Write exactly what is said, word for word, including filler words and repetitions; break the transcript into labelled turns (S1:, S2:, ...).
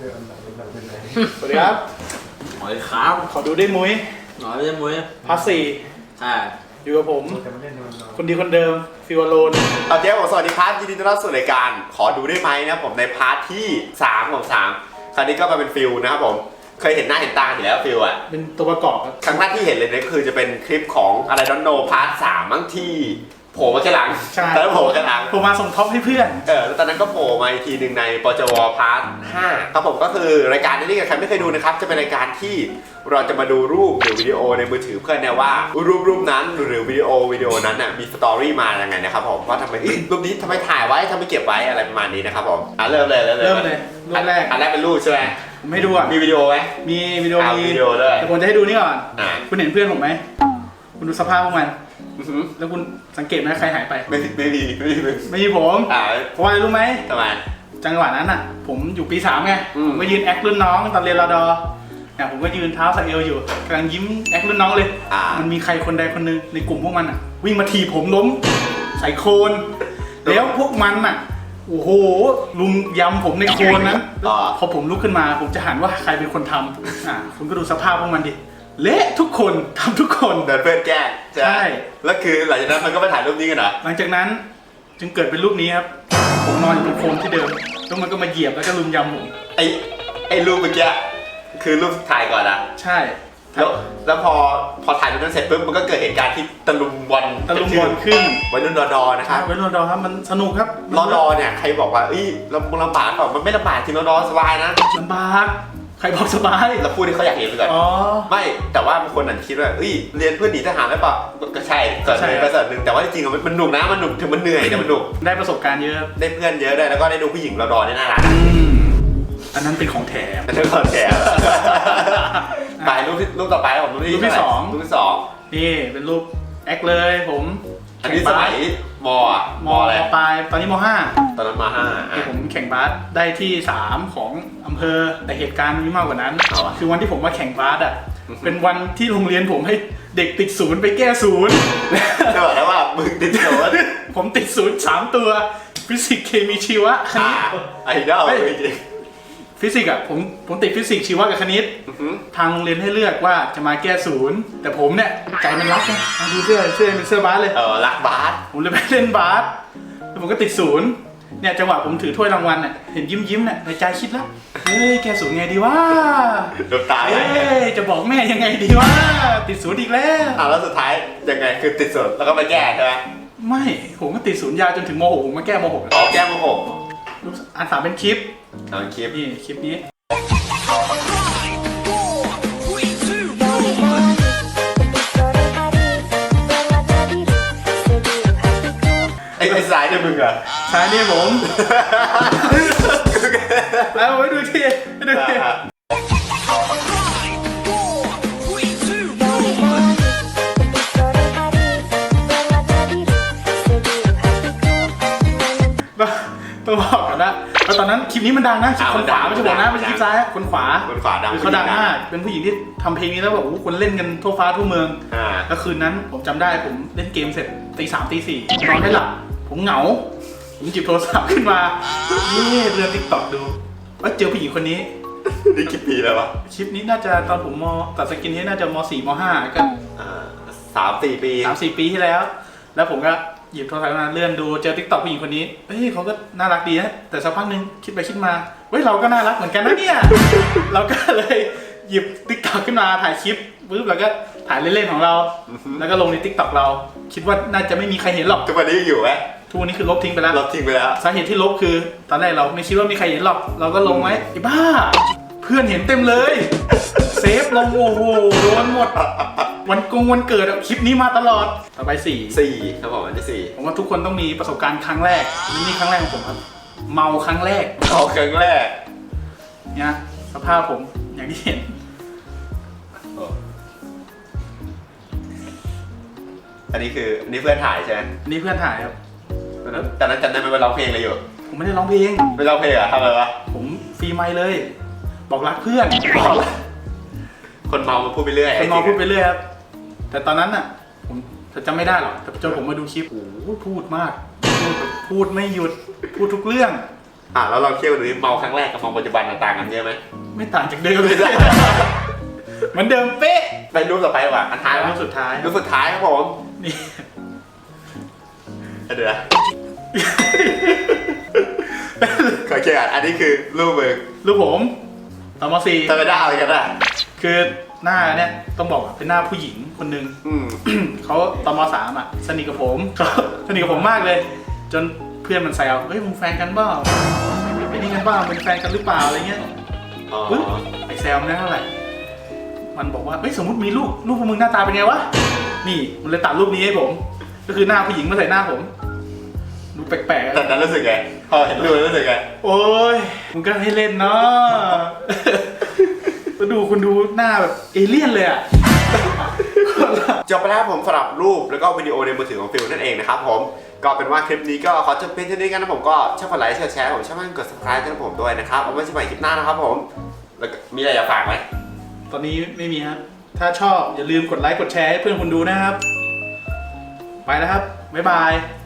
S1: สวัสดีครับ
S2: หอยครับ
S1: ขอดูได้มุ้ย
S2: หอยไม่ใช่มุ้ย
S1: พาร์ทสี่
S2: ใช่
S1: อยู่กับผม คนดีคนเดิมฟิวโลน
S3: ตอนนี้ผมสวัสดีครับยินดีต้อนรับสู่รายการขอดูได้ไหมนะผมในพาร์ทที่สามของสามคราวนี้ก็มาเป็นฟิลนะครับผมเคยเห็นหน้าเห็นตาอยู่แล้วฟิลอะ
S1: เป็นตัวประกอบครับ
S3: ครั้งแรกที่เห็นเลยเนี่ยคือจะเป็นคลิปของอะไรดอนโนพาร์ทสามมั้งที่โผล่มาแค่หลัง
S1: ใช่
S3: ตอนนั้นโผล่มาแค่หลัง
S1: ผมมาส่งท็อปให้เพื่อน
S3: เออแล้วตอนนั้นก็โผล่มาอีกทีหนึ่งในปจวพาร์ทห้าครับผมก็คือรายการนี้กับใครไม่เคยดูนะครับจะเป็นรายการที่เราจะมาดูรูปหรือวิดีโอในมือถือเพื่อนเนี่ยว่ารูปรูปนั้นหรือวิดีโอวิดีโอนั้นน่ะมีสตอรี่มาอย่างไงนะครับผมว่าทำไมรูปนี้ทำไมถ่ายไว้ทำไมเก็บไว้อะไรประมาณนี้นะครับผมอ่ะเริ่มเลยเริ่มเลย
S1: เริ่มเลยรูปแรก
S3: อันแรกเป็นรูปใช่ไหม
S1: ผมให้ดูอ่ะ
S3: มีวิดีโอไหม
S1: มีวิดีโอ
S3: อ่า
S1: มี
S3: วิดีโอด้วย
S1: แต่ผมจะให้ดูนี่ก่อน
S3: อ่า
S1: คุณเห็นเพื่อนผมไหมคุณดูสภาพพวกมัน
S3: อื้อหือ
S1: แล้วคุณสังเกตไหมใครหายไป
S3: ไม่ไม่มีไม่มีไม่มี
S1: ไม่ใช่ผม
S3: อ่า
S1: เพราะว่าอะไรรู้ไหม
S3: ทำไม
S1: จังหวะนั้นอ่ะ ผมอยู่ปีสามไง
S3: อืม
S1: ผมก็ยืนแอครุ่นน้องตอนเรียนรอดอเนี่ยผมก็ยืนเท้าสะเอวอยู่กำลังยิ้มแอครุ่นน้องเลย
S3: อ่า
S1: มันมีใครคนใดคนหนึ่งในกลุ่มพวกมันอ่ะ วิ่งมาถีบผมล้มใส่โคลนแล้วพวกมันอ่ะโอ้โหลุมยำผมในโคลนนั้น
S3: อ่า
S1: พอผมลุกขึ้นมาผมจะหันว่าใครเป็นคนทำอ่าคุณก็ดูสภาพพวกมันดิเละทุกคนทำทุกคน
S3: เดินเพื่อนแกล้งใช่ไหม
S1: ใช่
S3: แล้วคือหลังจากนั้นมันก็มาถ่ายรูปนี้กันเหรอ
S1: หลังจากนั้นจึงเกิดเป็นรูปนี้ครับผมนอนอยู่บนโคลนที่เดิมแล้วมันก็มาเหยียบแล้วก็ลุมยำผม
S3: ไอไอรูปเมื่อกี้คือรูปถ่ายก่อนอะ
S1: ใช่
S3: แล้วแล้วพอพอถ่ายรูปนั้นเสร็จปุ๊บมันก็เกิดเหตุการณ์ที่ตะลุมบอล
S1: ตะลุมบอลขึ้น
S3: วัยรุ่นรอดอนะครับ
S1: เว้นรอดอครับมันสนุกครับ
S3: รอดอเนี่ยใครบอกว่าเอ้ยลำลำบากเปล่ามันไม่ลำบากจริงรอดอสบายนะ
S1: ลำบากใครบอกสบาย
S3: แล้วพูดที่เขาอยากเห็นไปก่อน
S1: อ๋อ
S3: ไม่แต่ว่าบางคนอาจจะคิดว่าเอ้ยเรียนเพื่อหนีทหารหรือเปล่าก็ใช่ส่วนหนึ่ง
S1: ก็
S3: ก็
S1: ใช่
S3: ส่วนหนึ่งแต่ว่าจริงๆอะมันมันหนุกนะมันหนุกถึงมันเหนื่อยแต่มันหนุก
S1: ได้ประสบการณ์เยอะครับ
S3: ได้เพื่อนเยอะด้วยแล้วก็ได้ดูผู้หญิงรอดอเนี่ยน่ารัก
S1: อืมอันนั้นเป็นของแถม
S3: อันนั้นก่อนแถมไปรูปที่รูปต่อไปครับผมรูปที่
S1: รูปที่สอง
S3: รูปที่สอง
S1: นี่เป็นรูปแอคเลยผม
S3: อันนี้สมัยมอะ
S1: ม
S3: มอะไร
S1: ปลายตอนนี้มห้า
S3: ตอนนั้นมาห้า
S1: ที่ผมแข่งบาสได้ที่สามของอำเภอแต่เหตุการณ์มันมีมากกว่านั้น
S3: เอาอะ
S1: คือวันที่ผมมาแข่งบาสอ่ะเป็นวันที่โรงเรียนผมให้เด็กติดศูนย์ไปแก้ศูนย์
S3: จะบอกแล้วว่ามึงติดโสด
S1: ผมติดศูนย์สามตัวฟิสิกส์เคมีชีวะคณิ
S3: อ่า
S1: ต
S3: ไอดอลจริง
S1: ฟิสิกส์อ่ะผมผมติดฟิสิกส์ชีวะกับคณิต
S3: ๆอื้อหือ
S1: ทางโรงเรียนให้เลือกว่าจะมาแก้ศูนย์แต่ผมเนี่ยใจมันรักไงอ่ะดูเสื้อเสื้อเป็นเสื้อบาสเลย
S3: เออรักบาส
S1: ผมเลยไปเล่นบาสแล้วผมก็ติดศูนย์เนี่ยจังหวะผมถือถ้วยรางวัลเนี่ยเห็นยิ้มยิ้มๆเนี่ยในใจคิดแล้วเฮ้ยแก้ศูนย์ไงดีวะ
S3: ดูตาย
S1: เฮ้ยจะบอกแม่ยังไงดีวะติดศูนย์อีกแล้ว
S3: อ่าแล้วสุดท้ายยังไงคือติดโสดแล้วก็มาแก้ใช่ไหม
S1: ไม่ผมก็ติดศูนย์ยาวจนถึงมหกผมมาแก้มหก
S3: อ๋อแก้มาหก
S1: อันสามเป็นคลิป
S3: ตอนคลิป
S1: นี่คลิปนี้
S3: ไอ้ไอ้สายเนี่ยมึงเหรอ
S1: ซ้ายนี่ผมเอาไว้ดูทีให้ดูที ต้องบอกก่อนนะแล้วตอนนั้นคลิปนี้มันดังนะคลิปคนขวาไม่ใช่บอกนะไม่ใช่คลิปซ้ายนะคนขวา
S3: คนขวาดัง
S1: คือเขาดังมากเป็นผู้หญิงที่ทำเพลงนี้แล้วแบบโอ้โหคนเล่นกันทั่วฟ้าทั่วเมือง
S3: อ่า
S1: แล้วคืนนั้นผมจำได้ผมเล่นเกมเสร็จตีสามตีสี่นอนไม่หลับผมเหงา ผมหยิบโทรศัพท์ขึ้นมานี่เลื่อนติ๊กต็อกดูว่าเจอผู้หญิงคนนี้
S3: นี่กี่ปีแล้ววะ
S1: คลิปนี้น่าจะตอนผมมตัดสกินนี้น่าจะมสี่มห้าก็
S3: อ่าสามสี่ปี
S1: สามสี่ปีที่แล้ว แล้วผมก็หยิบโทรศัพท์มาเลื่อนดูเจอติ๊กต็อกผู้หญิงคนนี้เฮ้ยเขาก็น่ารักดีนะแต่สักพักหนึ่งคิดไปคิดมาเฮ้ยเราก็น่ารักเหมือนกันนะเนี่ย เราก็เลยหยิบติ๊กต็อกขึ้นมาถ่ายคลิปปุ๊บแล้วก็ถ่ายเล่นๆของเรา แล้วก็ลงในติ๊กต็อกเรา คิดว่าน่าจะไม่มีใครเห็นหรอก
S3: ทุกวันนี้ยังอยู่ไหม
S1: ทุกวันนี้คือลบทิ้งไปแล้ว
S3: ลบทิ้งไปแล้ว
S1: สาเหตุที่ลบคือตอนแรกเราไม่คิดว่ามีใครเห็นหรอก เราก็ลงไว้ไอ้บ้า เพื่อนเห็นเต็มเลย เซฟลงโอ้โหโดนหมด วันกงวันเกิดอะคลิปนี้มาตลอดต่อไปสี่
S3: สี่ครับผมอันที่สี่
S1: ผมว่าทุกคนต้องมีประสบการณ์ครั้งแรกนี่ครั้งแรกของผมครับ เมาครั้งแรก
S3: เอาครั้งแรก
S1: เนี่ยสภาพผมอย่างที่เห็น
S3: อันนี้คืออันนี้เพื่อนถ่ายใช่ไหม
S1: นี่เพื่อนถ่ายครับ
S3: ตอนนั้นตอนนั้นจำได้ไหมว่าร้องเพลงอะไรอยู่
S1: ผมไม่ได้ร้องเพลง
S3: ไม่ร้องเพลงเหรอะทำอะไรวะ
S1: ผมฟรีไมค์เลย บอกรักเพื่อน
S3: คนเมามาพูดไปเรื่อย
S1: คนมองพูดไปเรื่อยครับ แต่ตอนนั้นน่ะ ผมจำไม่ได้หรอกแต่จนผมมาดูคลิป โอ้โหพูดมาก พูดแบบพูดไม่หยุด พูดทุกเรื่อง
S3: อ่ะแล้วเราเทียบกันดูดิเมาครั้งแรกกับเมาปัจจุบันต่างกันเยอะไหม
S1: ไม่ต่างจากเดิมเลยเหมือนเดิมเป๊ะ
S3: ไปรูปต่อไปดีกว่าอันท้าย
S1: รูปสุดท้าย
S3: รูปสุดท้ายครับผม
S1: นี่
S3: เดี๋ยวนะ ขอเกี่ยวกันอันนี้คือรูปมึง
S1: รูปผมตอนมสี่
S3: จะไปได้อะไรกันอ่ะ
S1: คือหน้าเนี่ยต้องบอกว่าเป็นหน้าผู้หญิงคนหนึ่ง
S3: อืม
S1: เขาตอนมสามอ่ะสนิทกับผมเขาสนิทกับผมมากเลย จนเพื่อนมันแซวเฮ้ยมึงแฟนกันเปล่าเป็นนี่กันเปล่าเป็นแฟนกันหรือเปล่าอะไรเงี้ย
S3: อ๋อ
S1: ปึ๊บไอแซวมันได้เท่าไหร่มันบอกว่าเฮ้ยสมมติมีลูกลูกพวกมึงหน้าตาเป็นไงวะนี่มันเลยตัดรูปนี้ให้ผม ก็คือหน้าผู้หญิงมาใส่หน้าผมดูแปลกๆ
S3: แต่
S1: อะ
S3: นั้นรู้สึกไงพอเห็นรูปแล้วรู้สึกไง
S1: โอ้ยมึงก็ให้เล่นเนาะ แล้วดูคุณดูหน้าแบบเอเลี่ยนเลยอ่ะ
S3: จบไปแล้วครับผมสำหรับรูปแล้วก็วิดีโอในมือถือของฟิลนั่นเองนะครับผมก็เป็นว่าคลิปนี้ก็ขอจบเพียงเท่านี้กันนะผมก็ชอบกดไลค์แชร์ผมชอบกด subscribe ให้ผมด้วยนะครับเอาไว้เจอกันใหม่คลิปหน้านะครับผมแล้วก็มีอะไรอยากฝากไหม
S1: ตอนนี้ไม่มีครับ ถ้าชอบอย่าลืมกดไลค์กดแชร์ให้เพื่อนคุณดูนะครับ ไปแล้วครับ บ๊ายบาย